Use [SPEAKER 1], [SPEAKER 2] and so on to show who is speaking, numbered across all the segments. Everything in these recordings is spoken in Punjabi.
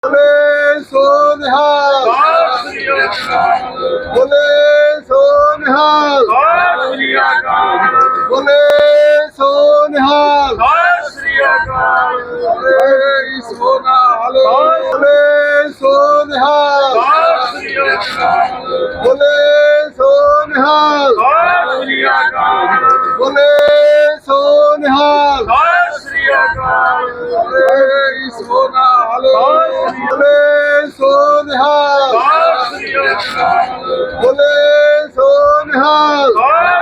[SPEAKER 1] बोले सो निहाल, बोले सो निहाल, बोले सो निहाल, बोले सो निहाल, बोले सो निहाल, बोले सो निहाल, बोले सो निहाल, बोले सो निहाल, बोले सो निहाल, बोले सो निहाल,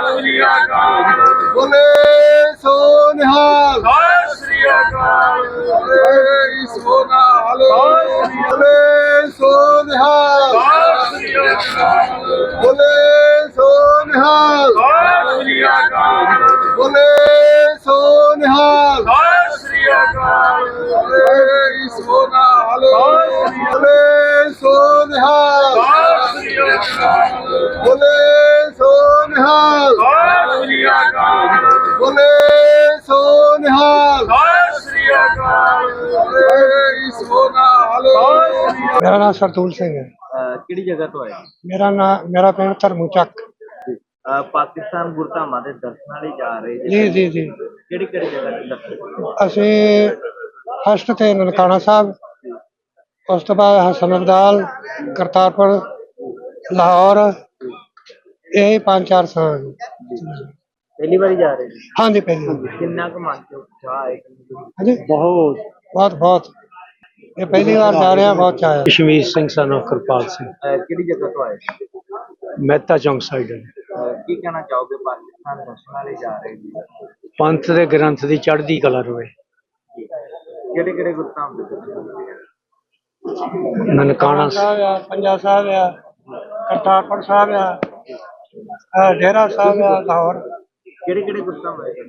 [SPEAKER 1] बोले सो निहाल, बोले सो निहाल, बोले सो निहाल, बोले सो निहाल, बोले सो निहाल, बोले सो निहाल, बोले सो निहाल, बोले सो निहाल, बोले सो निहाल, बोले सो निहाल।
[SPEAKER 2] मेरा नाम सरदूल सिंह है।
[SPEAKER 3] ਕਿਹੜੀ ਜਗ੍ਹਾ ਤੋਂ ਆਏ?
[SPEAKER 2] मेरा पिंड धर्मू चक।
[SPEAKER 3] ਪਾਕਿਸਤਾਨ ਗੁਰਧਾਮਾਂ ਦੇ ਦਰਸ਼ਨਾਂ ਲਈ ਜਾ ਰਹੇ
[SPEAKER 2] जी जी जी
[SPEAKER 3] ਕਿਹੜੀ ਕਿਹੜੀ ਜਗ੍ਹਾ ਤੇ ਦਰਸ਼ਨ?
[SPEAKER 2] ਅਸੀਂ ਫਸਟ ਤੇ ਨਨਕਾਣਾ ਸਾਹਿਬ, ਉਸ ਤੋਂ ਬਾਅਦ ਹਸਨ ਅਬਦਾਲ, ਕਰਤਾਰਪੁਰ, ਲਾਹੌਰ, ਇਹ 5-4 ਸਥਾਨ।
[SPEAKER 3] ਪਹਿਲੀ ਵਾਰੀ ਜਾ ਰਹੇ ਜੀ?
[SPEAKER 2] ਹਾਂਜੀ ਪਹਿਲੀ ਵਾਰ।
[SPEAKER 3] ਕਿੰਨਾ ਕੁ ਮਨ ਚ ਉਤਸ਼ਾਹ ਹੈ?
[SPEAKER 2] ਹਾਂਜੀ ਬਹੁਤ ਬਹੁਤ ਇਹ ਪਹਿਲੀ ਵਾਰ ਜਾ ਰਿਹਾ, ਬਹੁਤ ਚਾਅ ਹੈ।
[SPEAKER 4] ਕਸ਼ਮੀਰ ਸਿੰਘ ਸਾਨੂੰ ਕਿਰਪਾਲ ਸਿੰਘ,
[SPEAKER 3] ਕਿਹੜੀ ਜਗ੍ਹਾ ਤੋਂ ਆਏ?
[SPEAKER 4] ਮਹਿਤਾ ਚੌਂਕ ਸਾਈਡ।
[SPEAKER 3] ਕੀ ਕਹਿਣਾ ਚਾਹੋਗੇ ਪਾਕਿਸਤਾਨ ਦਰਸ਼ਨਾਂ ਲਈ ਜਾ ਰਹੇ ਜੀ?
[SPEAKER 4] ਪੰਥ ਦੇ ਗ੍ਰੰਥ ਦੀ ਚੜ੍ਹਦੀ ਕਲਾ ਰਵੇ।
[SPEAKER 3] ਕਿਹੜੇ ਕਿਹੜੇ ਗੁਰਧਾਮ ਦੇ ਦਰਸ਼ਨ?
[SPEAKER 4] ਨਨਕਾਣਾ
[SPEAKER 2] ਸਾਹਿਬ ਆ, ਪੰਜਾ ਸਾਹਿਬ ਆ, ਕਰਤਾਰਪੁਰ ਸਾਹਿਬ ਆ, ਡੇਰਾ ਸਾਹਿਬ ਆ, ਲਾਹੌਰ।
[SPEAKER 3] ਕਿਹੜੇ ਕਿਹੜੇ ਗੁਰਧਾਮ ਆਏ?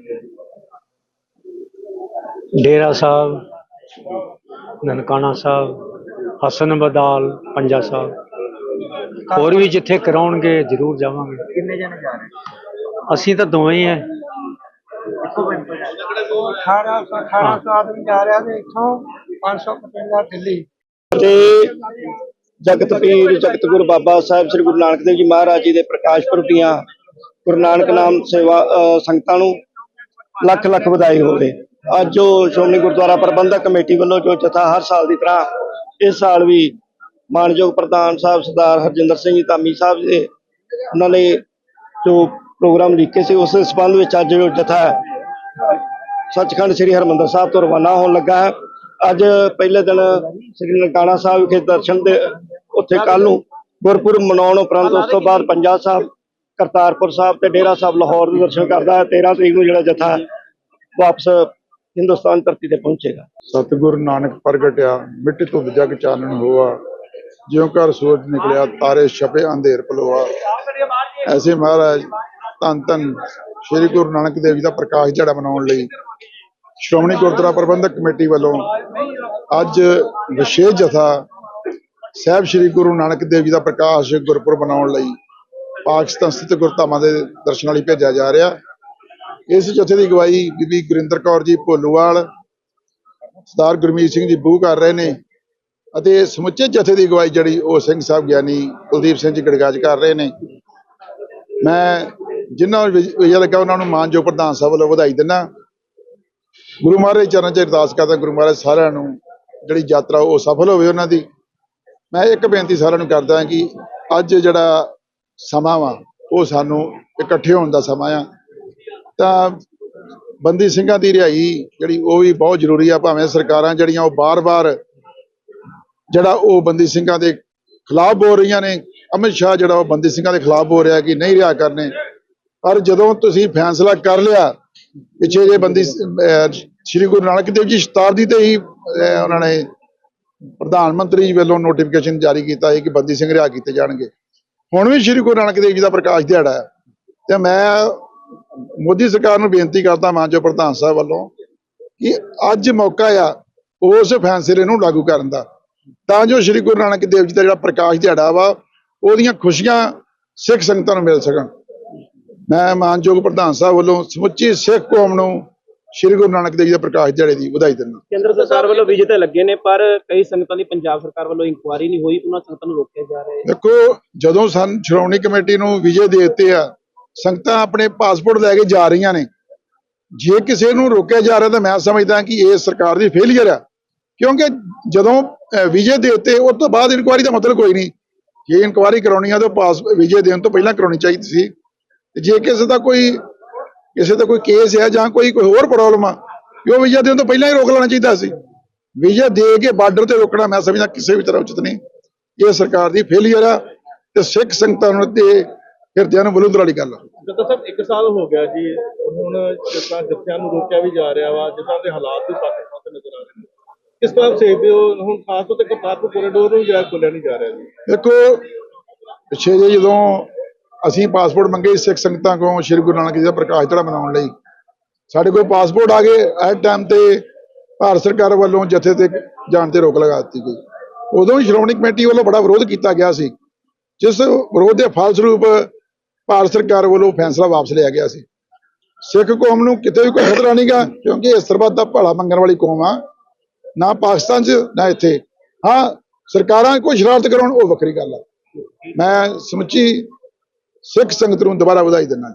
[SPEAKER 4] ਡੇਰਾ ਸਾਹਿਬ, ਨਨਕਾਣਾ ਸਾਹਿਬ, ਹਸਨ ਅਬਦਾਲ, ਪੰਜਾ ਸਾਹਿਬ। ਹੋਰ ਵੀ ਜਿੱਥੇ ਕਰਾਉਣਗੇ ਜ਼ਰੂਰ ਜਾਵਾਂਗੇ।
[SPEAKER 3] ਕਿੰਨੇ ਜਣੇ ਜਾ ਰਹੇ?
[SPEAKER 4] ਅਸੀਂ ਤਾਂ ਦੋਵੇਂ ਹੀ ਹੈ।
[SPEAKER 3] ਇੱਕੋ ਪਿੰਡ ਤੋਂ ਜਾ ਰਹੇ?
[SPEAKER 2] 1800 ਆਦਮੀ ਜਾ ਰਿਹਾ ਤੇ ਇੱਥੋਂ 555 ਦਿੱਲੀ।
[SPEAKER 5] ਤੇ ਜਗਤ ਪੀਰ ਜਗਤ ਗੁਰੂ ਬਾਬਾ ਸਾਹਿਬ ਸ੍ਰੀ ਗੁਰੂ ਨਾਨਕ ਦੇਵ ਜੀ ਮਹਾਰਾਜ ਜੀ ਦੇ ਪ੍ਰਕਾਸ਼ ਪੁਰਬ ਦੀਆਂ ਗੁਰੂ ਨਾਨਕ ਨਾਮ ਸੇਵਾ ਸੰਗਤਾਂ ਨੂੰ ਲੱਖ ਲੱਖ ਵਧਾਈ ਹੋਵੇ। ਅੱਜ ਜੋ ਸ਼੍ਰੋਮਣੀ ਗੁਰਦੁਆਰਾ ਪ੍ਰਬੰਧਕ ਕਮੇਟੀ ਵੱਲੋਂ ਜੋ ਜਥਾ ਹਰ ਸਾਲ ਦੀ ਤਰ੍ਹਾਂ ਇਸ ਸਾਲ ਵੀ ਮਾਨਯੋਗ ਪ੍ਰਧਾਨ ਸਾਹਿਬ ਸਰਦਾਰ ਹਰਜਿੰਦਰ ਸਿੰਘ ਜੀ ਧਾਮੀ ਸਾਹਿਬ ਦੇ ਉਹਨਾਂ ਨੇ ਜੋ ਪ੍ਰੋਗਰਾਮ ਲਿਖੇ ਸੀ, ਉਸ ਦੇ ਸੰਬੰਧ ਵਿੱਚ ਅੱਜ ਜੋ ਜਥਾ ਸੱਚਖੰਡ ਸ੍ਰੀ ਹਰਿਮੰਦਰ ਸਾਹਿਬ ਤੋਂ ਰਵਾਨਾ ਹੋਣ ਲੱਗਾ ਹੈ। ਅੱਜ ਪਹਿਲੇ ਦਿਨ ਸ੍ਰੀ ਨਨਕਾਣਾ ਸਾਹਿਬ ਵਿਖੇ ਦਰਸ਼ਨ ਦੇ ਉੱਥੇ ਕੱਲ੍ਹ ਨੂੰ ਗੁਰਪੁਰਬ ਮਨਾਉਣ ਉਪਰੰਤ ਉਸ ਤੋਂ ਬਾਅਦ ਪੰਜਾ ਸਾਹਿਬ, ਕਰਤਾਰਪੁਰ ਸਾਹਿਬ ਤੇ ਡੇਰਾ ਸਾਹਿਬ ਲਾਹੌਰ ਦੇ ਦਰਸ਼ਨ ਕਰਦਾ ਹੈ। 13 ਤਰੀਕ ਨੂੰ ਜਿਹੜਾ ਜਥਾ ਵਾਪਸ ਹਿੰਦੁਸਤਾਨ ਧਰਤੀ ਤੇ ਪਹੁੰਚੇਗਾ।
[SPEAKER 6] ਸਤਿਗੁਰ ਨਾਨਕ ਪ੍ਰਗਟਿਆ, ਮਿੱਟੀ ਤੋਂ ਜਗ ਚਾਨਣ ਹੋਆ, ਜਿਉਂ ਘਰ ਸੂਰਜ ਨਿਕਲਿਆ, ਤਾਰੇ ਛਪੇ ਅੰਧੇਰ ਪਲੋਆ। ਐਸੇ ਮਹਾਰਾਜ ਧੰਨ ਧੰਨ ਸ਼੍ਰੀ ਗੁਰੂ ਨਾਨਕ ਦੇਵ ਜੀ ਦਾ ਪ੍ਰਕਾਸ਼ ਦਿਹਾੜਾ ਮਨਾਉਣ ਲਈ ਸ਼੍ਰੋਮਣੀ ਗੁਰਦੁਆਰਾ ਪ੍ਰਬੰਧਕ ਕਮੇਟੀ ਵੱਲੋਂ ਅੱਜ ਵਿਸ਼ੇਸ਼ ਜਥਾ ਸਾਹਿਬ ਸ਼੍ਰੀ ਗੁਰੂ ਨਾਨਕ ਦੇਵ ਜੀ ਦਾ ਪ੍ਰਕਾਸ਼ ਗੁਰਪੁਰਬ ਮਨਾਉਣ ਲਈ ਪਾਕਿਸਤਾਨ ਸਥਿਤ ਗੁਰਧਾਮਾਂ ਦੇ ਦਰਸ਼ਨਾਂ ਲਈ ਭੇਜਿਆ ਜਾ ਰਿਹਾ। ਇਸ ਜਥੇ ਦੀ ਅਗਵਾਈ ਬੀਬੀ ਗੁਰਿੰਦਰ ਕੌਰ ਜੀ ਭੋਲੂਵਾਲ, ਸਰਦਾਰ ਗੁਰਮੀਤ ਸਿੰਘ ਜੀ ਬੂਹ ਕਰ ਰਹੇ ਨੇ ਅਤੇ ਸਮੁੱਚੇ ਜਥੇ ਦੀ ਅਗਵਾਈ ਜਿਹੜੀ ਉਹ ਸਿੰਘ ਸਾਹਿਬ ਗਿਆਨੀ ਕੁਲਦੀਪ ਸਿੰਘ ਜੀ ਗੜਗਾਜ ਕਰ ਰਹੇ ਨੇ। ਮੈਂ ਜਿਨ੍ਹਾਂ ਨੂੰ ਵਿਜਾ ਲੱਗਾ ਉਹਨਾਂ ਨੂੰ ਮਾਨਯੋਗ ਪ੍ਰਧਾਨ ਸਾਹਿਬ ਵੱਲੋਂ ਵਧਾਈ ਦਿੰਦਾ। ਗੁਰੂ ਮਹਾਰਾਜ ਚਰਨਾਂ 'ਚ ਅਰਦਾਸ ਕਰਦਾ, ਗੁਰੂ ਮਹਾਰਾਜ ਸਾਰਿਆਂ ਨੂੰ ਜਿਹੜੀ ਯਾਤਰਾ ਉਹ ਸਫਲ ਹੋਵੇ ਉਹਨਾਂ ਦੀ। ਮੈਂ ਇੱਕ ਬੇਨਤੀ ਸਾਰਿਆਂ ਨੂੰ ਕਰਦਾ ਕਿ ਅੱਜ ਜਿਹੜਾ ਸਮਾਂ ਵਾ ਉਹ ਸਾਨੂੰ ਇਕੱਠੇ ਹੋਣ ਦਾ ਸਮਾਂ ਆ, ਤਾਂ ਬੰਦੀ ਸਿੰਘਾਂ ਦੀ ਰਿਹਾਈ ਜਿਹੜੀ ਉਹ ਵੀ ਬਹੁਤ ਜ਼ਰੂਰੀ ਆ। ਭਾਵੇਂ ਸਰਕਾਰਾਂ ਜਿਹੜੀਆਂ ਉਹ ਬਾਰ-ਬਾਰ ਜਿਹੜਾ ਉਹ ਬੰਦੀ ਸਿੰਘਾਂ ਦੇ ਖਿਲਾਫ ਬੋਲ ਰਹੀਆਂ ਨੇ, ਅਮਿਤ ਸ਼ਾਹ ਜਿਹੜਾ ਉਹ ਬੰਦੀ ਸਿੰਘਾਂ ਦੇ ਖਿਲਾਫ ਬੋਲ ਰਿਹਾ ਕਿ ਨਹੀਂ ਰਿਹਾ ਕਰਨੇ, ਪਰ ਜਦੋਂ ਤੁਸੀਂ ਫੈਸਲਾ ਕਰ ਲਿਆ ਪਿੱਛੇ ਜੇ ਬੰਦੀ ਸ਼੍ਰੀ ਗੁਰੂ ਨਾਨਕ ਦੇਵ ਜੀ ਸ਼ਤਾਬਦੀ ਤੇ ਹੀ ਉਹਨਾਂ ਨੇ ਪ੍ਰਧਾਨ ਮੰਤਰੀ ਜੀ ਵੱਲੋਂ ਨੋਟੀਫਿਕੇਸ਼ਨ ਜਾਰੀ ਕੀਤਾ ਹੈ ਕਿ ਬੰਦੀ ਸਿੰਘ ਰਿਹਾ ਕੀਤੇ ਜਾਣਗੇ। ਹੁਣ ਵੀ ਸ਼੍ਰੀ ਗੁਰੂ ਨਾਨਕ ਦੇਵ ਜੀ ਦਾ ਪ੍ਰਕਾਸ਼ ਦਿਹਾੜਾ ਹੈ ਤੇ ਮੈਂ ਮੋਦੀ ਸਰਕਾਰ ਨੂੰ ਬੇਨਤੀ ਕਰਦਾ ਮਾਨਯੋਗ ਪ੍ਰਧਾਨ ਸਾਹਿਬ ਵੱਲੋਂ ਕਿ ਅੱਜ ਮੌਕਾ ਆ ਉਸ ਫੈਸਲੇ ਨੂੰ ਲਾਗੂ ਕਰਨ ਦਾ, ਤਾਂ ਜੋ ਸ਼੍ਰੀ ਗੁਰੂ ਨਾਨਕ ਦੇਵ ਜੀ ਦਾ ਜਿਹੜਾ ਪ੍ਰਕਾਸ਼ ਦਿਹਾੜਾ ਵਾ ਉਹਦੀਆਂ ਖੁਸ਼ੀਆਂ ਸਿੱਖ ਸੰਗਤਾਂ ਨੂੰ ਮਿਲ ਸਕਣ। ਮੈਂ ਮਾਨਯੋਗ ਪ੍ਰਧਾਨ ਸਾਹਿਬ ਵੱਲੋਂ ਸਮੁੱਚੀ ਸਿੱਖ ਕੌਮ ਨੂੰ ਸ਼੍ਰੀ ਗੁਰੂ ਨਾਨਕ ਦੇਵ ਜੀ ਦੇ ਪ੍ਰਕਾਸ਼ ਦਿਹਾੜੇ ਦੀ ਵਧਾਈ ਦਿੰਦਾ।
[SPEAKER 7] ਕੇਂਦਰ ਸਰਕਾਰ ਵੱਲੋਂ ਵੀਜ਼ੇ ਤਾਂ ਲੱਗੇ ਨੇ, ਪਰ ਕਈ ਸੰਗਤਾਂ ਦੀ ਪੰਜਾਬ ਸਰਕਾਰ ਵੱਲੋਂ ਇਨਕੁਆਇਰੀ ਨਹੀਂ ਹੋਈ, ਉਹਨਾਂ ਸੰਗਤਾਂ ਨੂੰ ਰੋਕਿਆ ਜਾ ਰਿਹਾ ਹੈ।
[SPEAKER 6] ਦੇਖੋ, ਜਦੋਂ ਸ਼੍ਰੋਮਣੀ ਕਮੇਟੀ ਨੂੰ ਵਿਜੇ ਦੇ ਦਿੱਤੇ ਆ, ਸੰਗਤਾਂ ਆਪਣੇ ਪਾਸਪੋਰਟ ਲੈ ਕੇ ਜਾ ਰਹੀਆਂ ਨੇ। ਜੇ ਕਿਸੇ ਨੂੰ ਰੋਕਿਆ ਜਾ ਰਿਹਾ ਤਾਂ ਮੈਂ ਸਮਝਦਾ ਕਿ ਇਹ ਸਰਕਾਰ ਦੀ ਫੇਲੀਅਰ ਆ, ਕਿਉਂਕਿ ਜਦੋਂ ਵਿਜੇ ਦੇ ਦਿੱਤੇ ਉਸ ਤੋਂ ਬਾਅਦ ਇਨਕੁਆਇਰੀ ਦਾ ਮਤਲਬ ਕੋਈ ਨਹੀਂ। ਜੇ ਇਨਕੁਆਇਰੀ ਕਰਾਉਣੀ ਆ ਤਾਂ ਵਿਜੇ ਦੇਣ ਤੋਂ ਪਹਿਲਾਂ ਕਰਾਉਣੀ ਚਾਹੀਦੀ ਸੀ। ਤੇ ਜੇ ਕਿਸੇ ਦਾ ਕੋਈ ਕੇਸ ਹੈ ਜਾਂ ਕੋਈ ਹੋਰ ਪ੍ਰੋਬਲਮ ਆ, ਉਹ ਵਿਜੇ ਦੇਣ ਤੋਂ ਪਹਿਲਾਂ ਹੀ ਰੋਕ ਲੈਣਾ ਚਾਹੀਦਾ ਸੀ। ਵਿਜੇ ਦੇ ਕੇ ਬਾਰਡਰ ਤੇ ਰੋਕਣਾ ਮੈਂ ਸਮਝਦਾ ਕਿਸੇ ਵੀ ਤਰ੍ਹਾਂ ਉਚਿਤ ਨਹੀਂ। ਇਹ ਸਰਕਾਰ ਦੀ ਫੇਲੀਅਰ ਆ ਤੇ ਸਿੱਖ ਸੰਗਤਾਂ ਨੂੰ ਤੇ ਹਿਰਦਿਆਂ ਨੂੰ ਬਲੂੰਦਰ ਵਾਲੀ ਗੱਲ ਆ।
[SPEAKER 8] ਜਦੋਂ ਸਾਹਿਬ 1 ਸਾਲ ਹੋ ਗਿਆ ਜੀ, ਹੁਣ ਜਿਸ ਤਰ੍ਹਾਂ ਜੱਥਿਆਂ ਨੂੰ ਰੋਕਿਆ ਵੀ ਜਾ ਰਿਹਾ ਵਾ, ਜਿਸ ਤਰ੍ਹਾਂ ਦੇ ਹਾਲਾਤ ਵੀ ਪਾਕਿਸਤਾਨ ਤੇ ਨਜ਼ਰ ਆ ਰਹੇ ਨੇ, ਕਿਸ ਤਰ੍ਹਾਂ ਸੇਵਦੇ ਹੋ? ਹੁਣ ਖਾਸ ਤੌਰ ਤੇ ਕਰਤਾਰਪੁਰ ਕੋਰੀਡੋਰ ਨੂੰ ਜਿਹੜਾ ਖੋਲਿਆ ਨਹੀਂ ਜਾ ਰਿਹਾ ਜੀ।
[SPEAKER 6] ਦੇਖੋ, ਪਿੱਛੇ ਜੇ ਜਦੋਂ ਅਸੀਂ ਪਾਸਪੋਰਟ ਮੰਗੇ ਸਿੱਖ ਸੰਗਤਾਂ ਕੋਲੋਂ ਸ਼੍ਰੀ ਗੁਰੂ ਨਾਨਕ ਦੇਵ ਜੀ ਦਾ ਪ੍ਰਕਾਸ਼ ਦਿਹਾੜਾ ਮਨਾਉਣ ਲਈ, ਸਾਡੇ ਕੋਲ ਪਾਸਪੋਰਟ ਆ ਗਏ। ਐਟ ਟਾਈਮ ਤੇ ਭਾਰਤ ਸਰਕਾਰ ਵੱਲੋਂ ਜਥੇ ਤੇ ਜਾਣ ਤੇ ਰੋਕ ਲਗਾ ਦਿੱਤੀ ਗਈ। ਉਦੋਂ ਹੀ ਸ਼੍ਰੋਮਣੀ ਕਮੇਟੀ ਵੱਲੋਂ ਬੜਾ ਵਿਰੋਧ ਕੀਤਾ ਗਿਆ ਸੀ, ਜਿਸ ਵਿਰੋਧ ਦੇ ਫਲਸਰੂਪ ਭਾਰਤ ਸਰਕਾਰ ਵੱਲੋਂ ਫੈਸਲਾ ਵਾਪਸ ਲਿਆ ਗਿਆ ਸੀ। ਸਿੱਖ ਕੌਮ ਨੂੰ ਕਿਤੇ ਵੀ ਕੋਈ ਖਤਰਾ ਨਹੀਂਗਾ, ਕਿਉਂਕਿ ਇਸ ਸਰਬੱਤ ਦਾ ਭਲਾ ਮੰਗਣ ਵਾਲੀ ਕੌਮ ਆ, ਨਾ ਪਾਕਿਸਤਾਨ 'ਚ ਨਾ ਇੱਥੇ। ਹਾਂ, ਸਰਕਾਰਾਂ ਕੋਈ ਸ਼ਰਾਰਤ ਕਰਾਉਣ ਉਹ ਵੱਖਰੀ ਗੱਲ ਆ। ਮੈਂ ਸਮੁੱਚੀ ਸਿੱਖ ਸੰਗਤ ਨੂੰ ਦੁਬਾਰਾ ਵਧਾਈ ਦਿੰਦਾ।